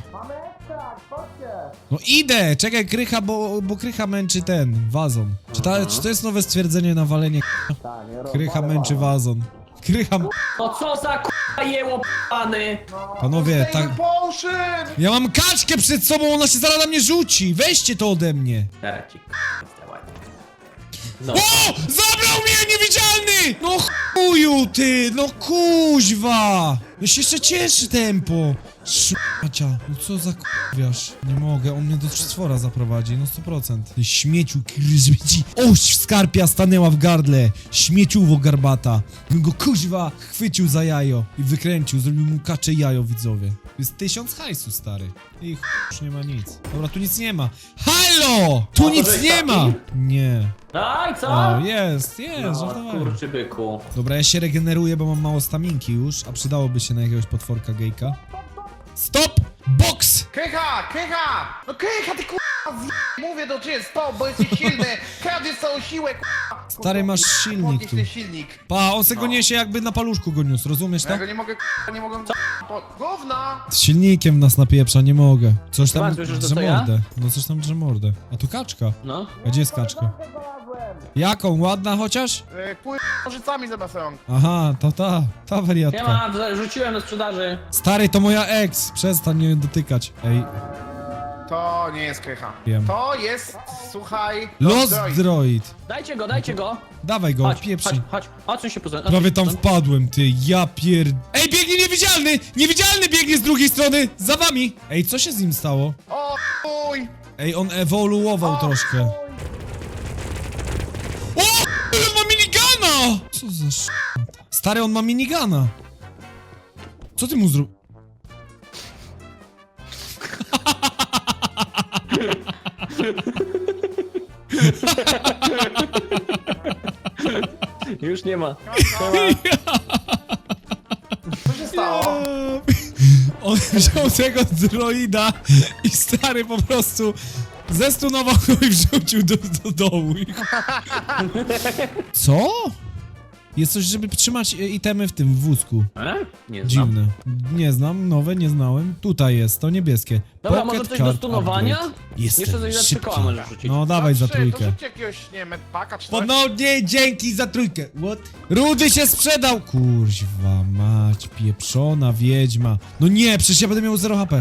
Speaker 1: No idę, czekaj, krycha, bo, bo krycha męczy ten, wazon. Czy, ta, czy to jest nowe stwierdzenie na walenie? Krycha męczy wazon. Krycha... m-
Speaker 3: No co za k***a jeło p***any.
Speaker 1: Panowie, tak...
Speaker 2: Potion!
Speaker 1: Ja mam kaczkę przed sobą, ona się zaraz na mnie rzuci! Weźcie to ode mnie!
Speaker 3: Teraz ci k***a zdała. No.
Speaker 1: O! Zabrał mnie niewidzialny! No chuju ty! No kuźwa! No się jeszcze cieszy tempo! Szmacia, no co za kurwiarz? Nie mogę, on mnie do stwora zaprowadzi, no sto procent. Ty śmieciu, śmieci. Oś skarpia stanęła w gardle! Śmieciuwo garbata! Bym go kuźwa chwycił za jajo i wykręcił, zrobił mu kacze jajo, widzowie. To jest tysiąc hajsu, stary. I chuj, już nie ma nic. Dobra, tu nic nie ma. Halo! Tu
Speaker 3: O,
Speaker 1: nic
Speaker 3: żeś
Speaker 1: nie
Speaker 3: taki?
Speaker 1: ma! Nie.
Speaker 3: No i co?
Speaker 1: O, jest, jest,
Speaker 3: No,
Speaker 1: żartowałem.
Speaker 3: kurczy byku.
Speaker 1: Dobra, ja się regeneruję, bo mam mało staminki już, a przydałoby się na jakiegoś potworka gejka. Stop! Box!
Speaker 2: Krycha, krycha! No krycha, ty kurwa, z... Mówię do ciebie, stop, bo jesteś silny! Kradziesz całą siłę, kurwa!
Speaker 1: Stary, masz silnik
Speaker 2: Podnieś
Speaker 1: tu.
Speaker 2: ten silnik.
Speaker 1: Pa, on se go niesie jakby na paluszku go niósł, rozumiesz
Speaker 2: Ja
Speaker 1: to?
Speaker 2: go nie mogę, kurwa, nie mogę... Po... Gówna!
Speaker 1: Z silnikiem nas napieprza, nie mogę. Coś tam
Speaker 3: Chyba, słyszysz, że
Speaker 1: drze
Speaker 3: to ja?
Speaker 1: mordę. No coś tam drze mordę. A tu kaczka.
Speaker 3: No.
Speaker 1: A gdzie jest kaczka? Jaką? Ładna chociaż?
Speaker 2: Yy, Pływ nożycami zamiast rąk.
Speaker 1: Aha, to ta, ta
Speaker 3: Ja
Speaker 1: wariatka.
Speaker 3: mam, rzuciłem do sprzedaży.
Speaker 1: Stary, to moja ex, przestań mnie dotykać. Ej,
Speaker 2: To nie jest krycha.
Speaker 1: Wiem.
Speaker 2: To jest, słuchaj...
Speaker 1: Lost
Speaker 2: Droid.
Speaker 1: Droid.
Speaker 3: Dajcie go, dajcie go.
Speaker 1: Dawaj go,
Speaker 3: Chodź,
Speaker 1: pieprzyj.
Speaker 3: chodź, chodź. Odsuń się poza.
Speaker 1: Prawie tam wpadłem, ty, ja pier... Ej, biegnie niewidzialny! Niewidzialny biegnie z drugiej strony! Za wami! Ej, co się z nim stało?
Speaker 2: O, uj!
Speaker 1: Ej, on ewoluował
Speaker 2: O,
Speaker 1: troszkę. O! On ma minigana! Co za sz... Stary, on ma minigana. Co ty mu zrób...
Speaker 3: Już nie ma.
Speaker 2: Co się stało?
Speaker 1: On wziął tego droida i stary po prostu zestunował go i wrzucił do, do dołu. Co? Jest coś, żeby trzymać e, itemy w tym wózku.
Speaker 3: E? Nie znam.
Speaker 1: Dziwne. Nie znam, nowe nie znałem. Tutaj jest, to niebieskie.
Speaker 3: Dobra,
Speaker 1: Pocket
Speaker 3: może coś do
Speaker 1: Card
Speaker 3: stunowania?
Speaker 1: Upgrade. Jestem
Speaker 3: Jeszcze coś za trzy
Speaker 1: szybki.
Speaker 3: koła możesz rzucić.
Speaker 1: No dawaj za
Speaker 2: trzy, To
Speaker 1: trójkę.
Speaker 2: rzućcie jakiegoś, nie wiem, medpaka czy coś.
Speaker 1: Ponownie dzięki za trójkę. What? Rudy się sprzedał! Kurwa mać, pieprzona wiedźma. No nie, przecież ja będę miał zero H P.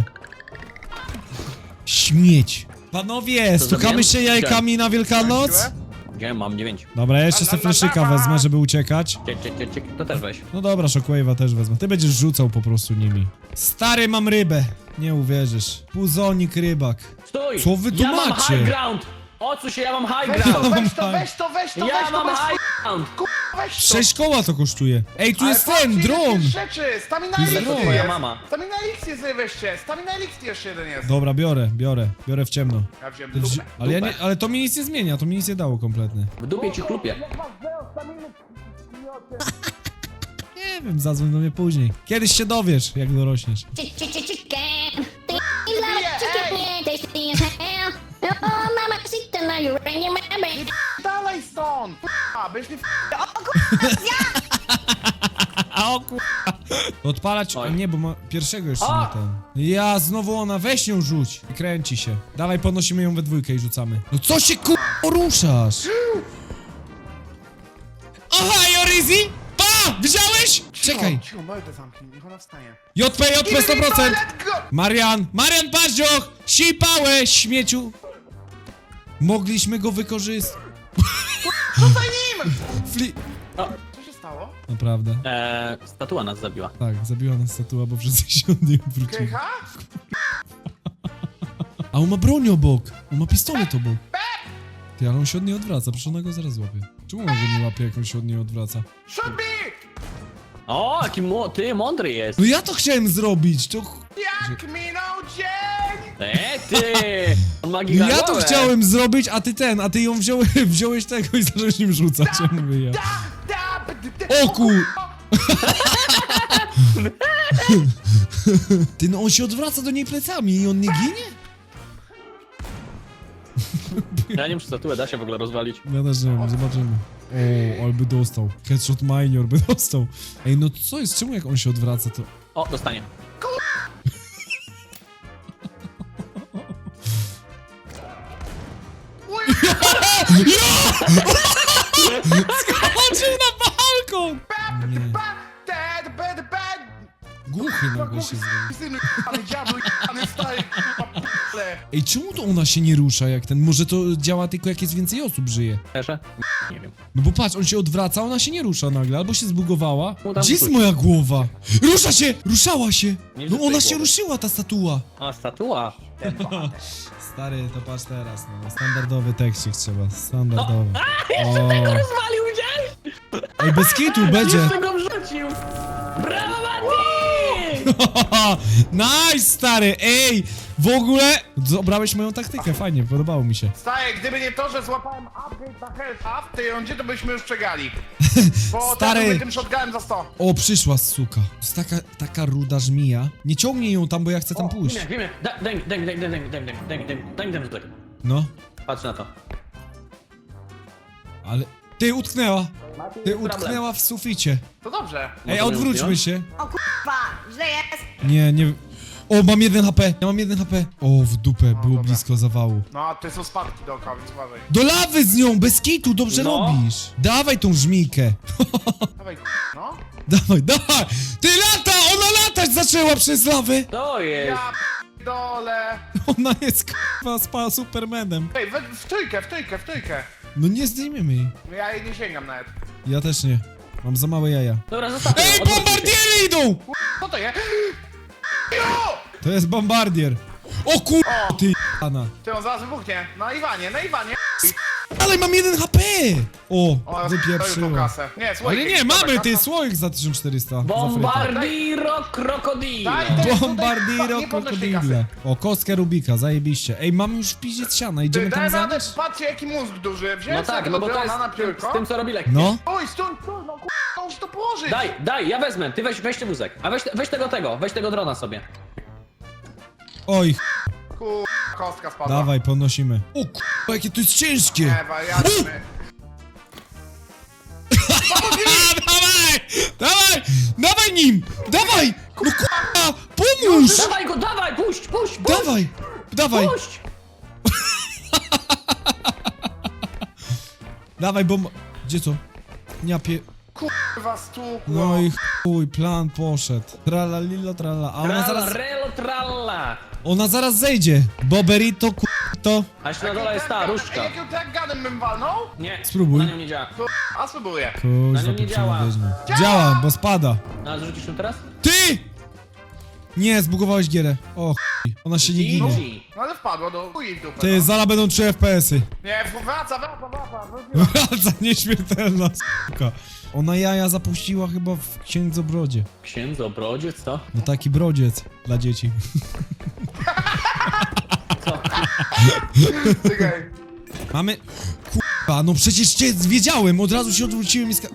Speaker 1: Śmieć. Panowie,
Speaker 3: Co
Speaker 1: stukamy
Speaker 3: zrobiłem?
Speaker 1: się jajkami na Wielkanoc?
Speaker 2: Siłę?
Speaker 3: Nie, mam dziewięć.
Speaker 1: Dobra, ja jeszcze
Speaker 2: La,
Speaker 1: sobie
Speaker 2: la, la,
Speaker 1: fleszyka
Speaker 2: la.
Speaker 1: wezmę, żeby uciekać.
Speaker 3: Ciek, ciek, ciek, ciek. To też weź.
Speaker 1: No dobra, Shockwave'a też wezmę. Ty będziesz rzucał po prostu nimi. Stary, mam rybę. Nie uwierzysz. Puzonik rybak.
Speaker 3: Stój!
Speaker 1: Co wy tu
Speaker 3: ja mam
Speaker 1: macie?
Speaker 3: high ground! Odsuń się, ja mam high
Speaker 2: Weź to,
Speaker 3: ground!
Speaker 2: weź to, weź to, weź to,
Speaker 3: Ja
Speaker 2: weź to,
Speaker 3: mam
Speaker 2: weź to,
Speaker 3: high ground!
Speaker 2: weź to.
Speaker 1: Sześć koła to kosztuje. Ej, tu
Speaker 2: Ale
Speaker 1: jest
Speaker 2: patrzcie,
Speaker 1: ten,
Speaker 2: ile
Speaker 1: dron.
Speaker 2: tych rzeczy! Stamina
Speaker 1: jest
Speaker 2: Elixir
Speaker 1: dron.
Speaker 2: jest!
Speaker 3: Moja mama.
Speaker 2: Stamina Elixir sobie weźcie! Stamina Elixir jeszcze jeden jest!
Speaker 1: Dobra, biorę, biorę. Biorę w ciemno.
Speaker 2: Ja wziąłem
Speaker 1: Ty wzi-
Speaker 2: dupę.
Speaker 1: ale, ja nie,
Speaker 3: Dupę.
Speaker 1: ale to mi nic nie zmienia, to mi nic nie dało kompletnie.
Speaker 3: W dupie ci chlupie.
Speaker 1: Nie wiem, zadzwoń do mnie później. Kiedyś się dowiesz, jak dorośniesz.
Speaker 4: Chick, chick, chick, chicken. Do you love a chicken? Yeah, tasty as hell. Oh, mama, sit now you're ringing my bell.
Speaker 2: Dalej stąd! A, byś mi
Speaker 1: A o ku... Odpalać...
Speaker 3: Oj.
Speaker 1: Nie, bo ma pierwszego jeszcze
Speaker 3: A!
Speaker 1: nie ten. Ja, znowu ona, weź ją rzuć. I kręci się. Dawaj, podnosimy ją we dwójkę i rzucamy. No co się ku... ruszasz? Aha, Jorizi! Pa! Widziałeś? Czekaj.
Speaker 2: Cicho, mordę zamknij, niech ona wstaje.
Speaker 1: J P, J P sto procent!
Speaker 2: Let's go!
Speaker 1: Marian! Marian Paździoch! Sipałeś, śmieciu! Mogliśmy go wykorzystać.
Speaker 2: Rzucaj nim!
Speaker 1: Fli...
Speaker 2: Co się stało?
Speaker 1: Naprawdę.
Speaker 3: Eee, statua nas zabiła.
Speaker 1: Tak, zabiła nas statua, bo wszyscy się od niej odwrócili.
Speaker 2: Krycha?
Speaker 1: A on ma broń obok! On ma pistolet obok. Ty, ale on się od niej odwraca, przecież ona go zaraz łapie. Czemu on go nie łapie, jak on się od niej odwraca?
Speaker 2: Shoot me!
Speaker 3: O, jaki mo ty mądry jest!
Speaker 1: No ja to chciałem zrobić, to... ch-
Speaker 2: Jak minął dzień!
Speaker 3: Eee, ty! On ma
Speaker 1: Ja
Speaker 3: gigantowę.
Speaker 1: to chciałem zrobić, a ty ten, a ty ją wziąłeś, wziąłeś tego i zacząłeś nim rzucać, ja mówię ja.
Speaker 2: Da, da, d- d-
Speaker 1: O kur... Ty, no on się odwraca do niej plecami i on nie ginie?
Speaker 3: Ja nie wiem, czy statuę da się w ogóle rozwalić.
Speaker 1: Ja też nie wiem, zobaczymy. O, ale by dostał. Headshot minor by dostał. Ej, no co jest? Czemu jak on się odwraca, to...
Speaker 3: O, dostanie.
Speaker 1: Skoczył na balkon! Nie.
Speaker 2: Ba- Dead, bad, bad!
Speaker 1: Głuchy nagle się zrobił.
Speaker 2: Synu, ale diabły, ale stary, p***le.
Speaker 1: Ej, czemu to ona się nie rusza jak ten? Może to działa tylko jak jest więcej osób żyje?
Speaker 3: Leszę? Nie wiem.
Speaker 1: No bo patrz, on się odwraca, ona się nie rusza nagle, albo się zbugowała.
Speaker 3: No tam
Speaker 1: Gdzie jest
Speaker 3: wróci.
Speaker 1: moja głowa? Rusza się! Ruszała się!
Speaker 3: Nie
Speaker 1: No
Speaker 3: widzę
Speaker 1: ona
Speaker 3: tej
Speaker 1: się
Speaker 3: głowy.
Speaker 1: ruszyła, ta statua.
Speaker 3: A, statua.
Speaker 1: Stary, to patrz teraz, no. Standardowy tekstik trzeba, standardowy. O.
Speaker 3: Rozwalił gdzieś!
Speaker 1: Ej, bez kitu będzie.
Speaker 3: Jeszcze go wrzucił! Brawo, Mati!
Speaker 1: Nice, stary, ej! W ogóle obrałeś moją taktykę, fajnie, podobało mi się.
Speaker 2: Stary, gdyby nie to, że złapałem upgrade na health w tej rundzie, to byśmy już przegrali. Bo
Speaker 1: Stary.
Speaker 2: teraz tym shotgunem za sto.
Speaker 1: O, przyszła suka. To jest taka, taka ruda żmija. Nie ciągnij ją tam, bo ja chcę tam pójść.
Speaker 3: Wiem, wiem, daj, daj, daj, daj, daj, daj, daj, daj, daj, daj, daj mi ten rzutek.
Speaker 1: No,
Speaker 3: Patrz na to.
Speaker 1: ale... Ty, utknęła. Ty,
Speaker 3: problem.
Speaker 1: utknęła w suficie.
Speaker 2: To dobrze.
Speaker 1: Ej,
Speaker 3: Możemy ją
Speaker 1: odwróćmy
Speaker 3: zdjąć?
Speaker 1: się.
Speaker 4: O kurwa, źle jest.
Speaker 1: Nie, nie... O, mam jeden H P, ja mam jeden H P. O, w dupę, było
Speaker 2: dobra.
Speaker 1: blisko zawału.
Speaker 2: No, a to są spadki dookoła, więc uważaj.
Speaker 1: Do lawy z nią, bez kitu, dobrze
Speaker 3: No.
Speaker 1: robisz. Dawaj tą żmijkę.
Speaker 2: Dawaj, no.
Speaker 1: Dawaj, dawaj. Ty, lata, ona latać zaczęła przez lawę.
Speaker 3: To jest!
Speaker 2: Ja dole.
Speaker 1: Ona jest k***a spa Supermanem.
Speaker 2: Ej, we, w trójkę, w trójkę, w trójkę.
Speaker 1: No nie zdejmiemy jej.
Speaker 2: Ja jej nie sięgam nawet.
Speaker 1: Ja też nie. Mam za małe jaja.
Speaker 3: Dobra, zostawmy ją,
Speaker 1: Ej,
Speaker 3: odwróćmy się.
Speaker 1: bombardiery idą!
Speaker 2: Co to jest? Jo!
Speaker 1: To jest bombardier. O kur...
Speaker 2: O!
Speaker 1: Ty, Ana.
Speaker 2: Ty on zaraz wybuchnie. Na Iwanie, na Iwanie.
Speaker 1: Dalej mam jeden H P! O,
Speaker 2: O, to już po
Speaker 1: wypieprzyłem.
Speaker 2: kasę. Nie, słuchaj.
Speaker 1: Ale nie, mamy ty słoik za tysiąc czterysta. za frytę.
Speaker 3: Bombardiro krokodilo.
Speaker 2: Daj, daj.
Speaker 1: Bombardiro
Speaker 2: Nie podnoś tej
Speaker 1: krokodile. O, kostkę Rubika, zajebiście. Ej, mamy już w piździe siana, idziemy
Speaker 2: Ty,
Speaker 1: tam
Speaker 2: daj radę,
Speaker 1: zanieść?
Speaker 2: patrzcie jaki mózg duży. Wziąłem
Speaker 3: No tak,
Speaker 2: sobie
Speaker 3: no bo
Speaker 2: tego
Speaker 3: to jest
Speaker 2: drona na piórko.
Speaker 3: z tym co robi lekkie.
Speaker 1: No.
Speaker 2: Oj, stój, stój, no kurwa, muszę to położyć.
Speaker 3: Daj, daj, ja wezmę, ty weź, weź ten wózek. A weź, weź tego tego, weź tego drona sobie.
Speaker 1: Oj,
Speaker 2: Kurwa, kostka spadła.
Speaker 1: dawaj, podnosimy. O kurwa, jakie to jest ciężkie!
Speaker 2: Nie, wariaty.
Speaker 1: Dawaj! Dawaj! Dawaj nim! Dawaj! No kurwa! Pomóż!
Speaker 3: Dawaj go, dawaj, puść, puść, puść,
Speaker 1: Dawaj! Dawaj!
Speaker 3: puść.
Speaker 1: Dawaj, bo... ma- Gdzie co? Ja pie...
Speaker 2: Kurwa, stukło.
Speaker 1: No i chuj, plan poszedł. Trala lila trala. A ona
Speaker 3: Tralla,
Speaker 1: zaraz...
Speaker 3: relo, tralla.
Speaker 1: Ona zaraz zejdzie. Boberito, kurto.
Speaker 3: A jeszcze na dole jest ta różdżka.
Speaker 2: Jakim tak gadem bym walnął?
Speaker 3: Nie,
Speaker 1: Spróbuj.
Speaker 3: na nią nie działa.
Speaker 2: To, a spróbuję.
Speaker 3: Na
Speaker 1: Kuźwa,
Speaker 3: nią nie
Speaker 1: pieprzona
Speaker 3: działa.
Speaker 1: wiedźma. Działa, bo spada.
Speaker 3: No, a zrzucisz ją teraz?
Speaker 1: Ty! Nie, zbugowałeś gierę. O chuj. Ona się nie ginie.
Speaker 3: Easy.
Speaker 2: No ale wpadło do chuj w dupę.
Speaker 1: Ty,
Speaker 2: no.
Speaker 1: zala będą trzy F P S-y.
Speaker 2: Nie, wraca, wraca, wraca. wróciła.
Speaker 1: Wraca nieśmiertelna s***ka. Ona jaja zapuściła chyba w księdzobrodzie.
Speaker 3: Księdzo, brodziec, co?
Speaker 1: No taki brodziec dla dzieci.
Speaker 3: Co?
Speaker 2: Czekaj.
Speaker 1: Mamy... Kurwa, no przecież cię wiedziałem, od razu się odwróciłem i ska...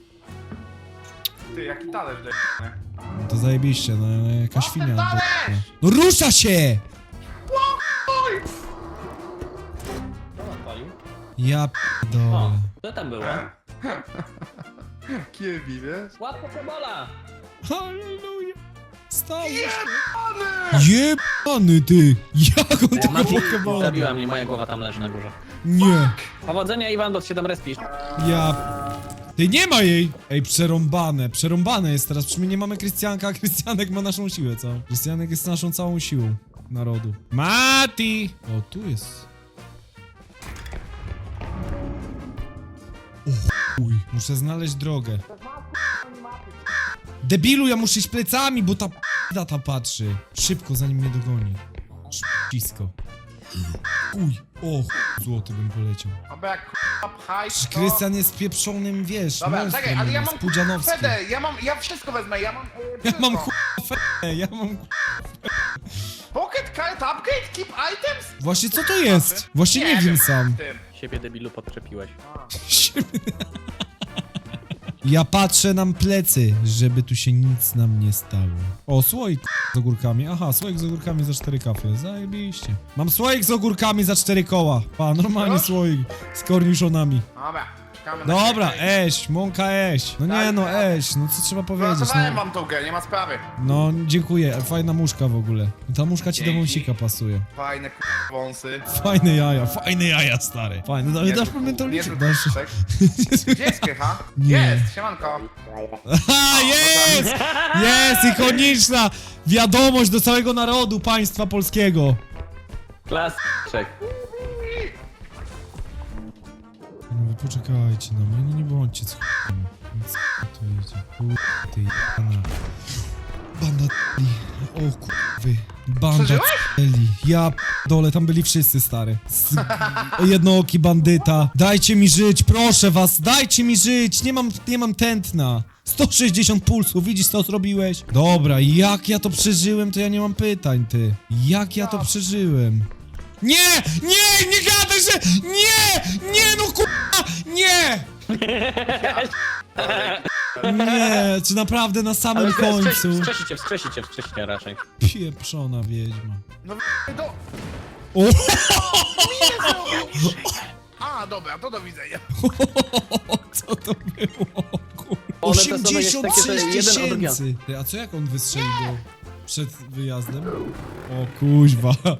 Speaker 2: Ty, jaki talerz de...
Speaker 1: To zajebiście, no jaka świnia.
Speaker 2: ten talerz!
Speaker 1: No rusza się!
Speaker 2: Oj!
Speaker 3: Kto odpalił?
Speaker 1: Ja
Speaker 3: O,
Speaker 1: p***dolę.
Speaker 3: co tam było?
Speaker 2: Kiebi, wiesz?
Speaker 3: Łapka Pebola!
Speaker 1: Halleluja. Stało się.
Speaker 2: Jebany!
Speaker 1: Jebany ty! Jak on tego
Speaker 3: Mati,
Speaker 1: pokebola?
Speaker 3: zabiła mnie, moja głowa tam leży na górze.
Speaker 1: Nie.
Speaker 3: Powodzenia, Iwan, bo się tam respisz.
Speaker 1: Ja... Ty, nie ma jej! Ej, przerąbane, przerąbane jest teraz, przynajmniej nie mamy Krystianka, a Krystianek ma naszą siłę całą. Krystianek jest naszą całą siłą narodu. Mati! O, tu jest. O chuj, muszę znaleźć drogę. Debilu, ja muszę iść plecami, bo ta p***da ta patrzy. Szybko, zanim mnie dogoni. Szybcisko. Uj, o chuj, złoty bym poleciał.
Speaker 2: Aby jak k***a pchaj,
Speaker 1: Czy
Speaker 2: to...
Speaker 1: Krystian jest pieprzonym, wiesz,
Speaker 2: Dobra,
Speaker 1: monstrem,
Speaker 2: czekaj, ale ja
Speaker 1: jest
Speaker 2: mam
Speaker 1: Pudzianowski.
Speaker 2: Fedę, ja mam, ja wszystko wezmę, ja mam... e,
Speaker 1: Ja mam
Speaker 2: wszystko.
Speaker 1: k***a ja mam k***a.
Speaker 2: Pocket card upgrade, keep items?
Speaker 1: Właśnie co to jest? Właśnie nie,
Speaker 2: Nie
Speaker 1: wiem
Speaker 2: wiem.
Speaker 1: sam.
Speaker 2: Tym.
Speaker 3: Siebie, debilu, podczepiłeś.
Speaker 1: Ja patrzę nam plecy, żeby tu się nic nam nie stało. O, słoik z ogórkami. Aha, słoik z ogórkami za cztery kafle. Zajebiście. Mam słoik z ogórkami za cztery koła. Pa, normalnie
Speaker 2: Proszę?
Speaker 1: słoik z korniszonami.
Speaker 2: Dobra, czekamy na
Speaker 1: Dobra,
Speaker 2: ciebie.
Speaker 1: eś, mąka eś. No nie no, eś, no co trzeba powiedzieć,
Speaker 2: Wypracowałem
Speaker 1: no.
Speaker 2: wam tą grę, nie ma sprawy.
Speaker 1: No, dziękuję, fajna muszka w ogóle. Ta muszka ci do
Speaker 2: Dzięki.
Speaker 1: wąsika pasuje.
Speaker 2: Fajne k***, wąsy.
Speaker 1: Fajne jaja, fajne jaja, stary. Fajne, ale dasz
Speaker 2: Niezły-
Speaker 1: pamiętaliczek,
Speaker 2: niezły
Speaker 1: dasz...
Speaker 2: k***ek. Gdzie jest Krycha?
Speaker 1: Nie.
Speaker 2: Jest, siemanko.
Speaker 1: Aha, jest! Jest, ikoniczna wiadomość do całego narodu państwa polskiego.
Speaker 3: Klasyczek.
Speaker 1: No wy poczekajcie na mnie, no nie bądźcie z ch**em. Co to idzie? Chuj, ty jana. Banda t***li. O kurwy. Banda
Speaker 2: Przeżyłeś?
Speaker 1: t***li. Ja dole, tam byli wszyscy, stary. Z... Jednooki bandyta. Dajcie mi żyć, proszę was, dajcie mi żyć. Nie mam, nie mam tętna. sto sześćdziesiąt pulsów, widzisz co zrobiłeś? Dobra, jak ja to przeżyłem, to ja nie mam pytań, ty. Jak ja to przeżyłem? Nie! Nie! Nie gadaj, że... Nie! Nie, no kurwa! Nie! Nie, czy naprawdę na samym końcu?
Speaker 3: Wskrzesicie, wskrzesicie, wskrzesicie raczej.
Speaker 1: Pieprzona wiedźma.
Speaker 2: No do...
Speaker 1: O!
Speaker 2: A, dobra, to do widzenia.
Speaker 1: Co to było? Kurwa.
Speaker 3: One te same
Speaker 1: osiemdziesiąt
Speaker 3: jest takie, że
Speaker 1: sześć
Speaker 3: jeden od drugiego.
Speaker 1: tysięcy! Ty, a co jak on wystrzelił przed wyjazdem? O kuźwa.